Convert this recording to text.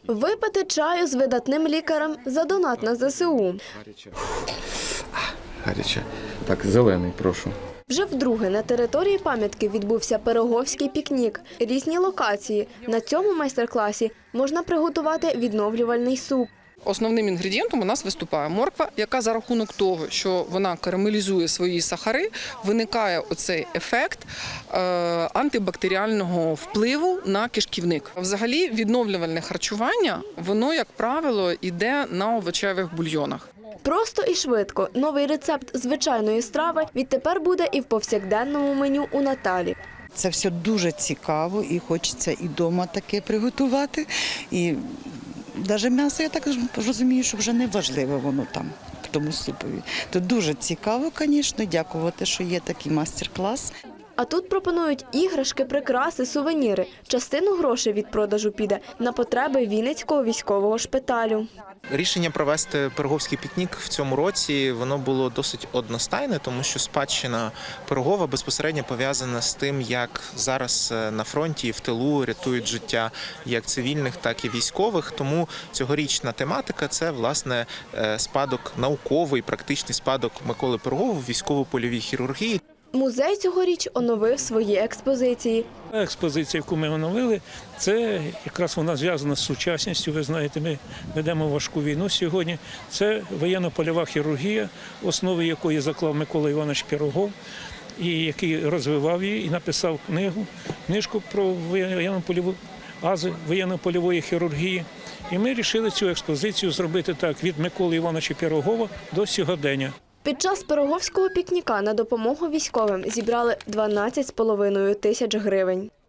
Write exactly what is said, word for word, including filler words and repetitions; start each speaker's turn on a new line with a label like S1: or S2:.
S1: Випити чаю з видатним лікарем за донат на зе се у.
S2: Гаряче. Гаряче. Так, зелений, прошу.
S1: Вже вдруге на території пам'ятки відбувся пироговський пікнік. Різні локації. На цьому майстер-класі можна приготувати відновлювальний суп.
S3: Основним інгредієнтом у нас виступає морква, яка за рахунок того, що вона карамелізує свої сахари, виникає оцей ефект е, антибактеріального впливу на кишківник. Взагалі відновлювальне харчування, воно, як правило, йде на овочевих бульйонах.
S1: Просто і швидко. Новий рецепт звичайної страви відтепер буде і в повсякденному меню у Наталі.
S4: Це все дуже цікаво і хочеться і вдома таке приготувати. І навіть м'ясо, я так розумію, що вже не важливо воно там, в тому супові. То дуже цікаво, звісно, дякувати, що є такий майстер-клас.
S1: А тут пропонують іграшки, прикраси, сувеніри. Частину грошей від продажу піде на потреби Вінницького військового шпиталю.
S5: Рішення провести пироговський пікнік в цьому році, воно було досить одностайне, тому що спадщина Пирогова безпосередньо пов'язана з тим, як зараз на фронті і в тилу рятують життя як цивільних, так і військових. Тому цьогорічна тематика – це, власне, спадок науковий, практичний спадок Миколи Пирогова в військово-польовій хірургії.
S1: Музей цьогоріч оновив свої експозиції.
S6: Експозиція, яку ми оновили, це якраз вона зв'язана з сучасністю. Ви знаєте, ми ведемо важку війну сьогодні. Це воєнно-польова хірургія, основи якої заклав Микола Іванович Пирогов, і який розвивав її і написав книгу, книжку про воєнно-польову ази воєнно-польової хірургії. І ми вирішили цю експозицію зробити так від Миколи Івановича Пирогова до сьогодення.
S1: Під час пироговського пікніка на допомогу військовим зібрали дванадцять з половиною тисяч гривень.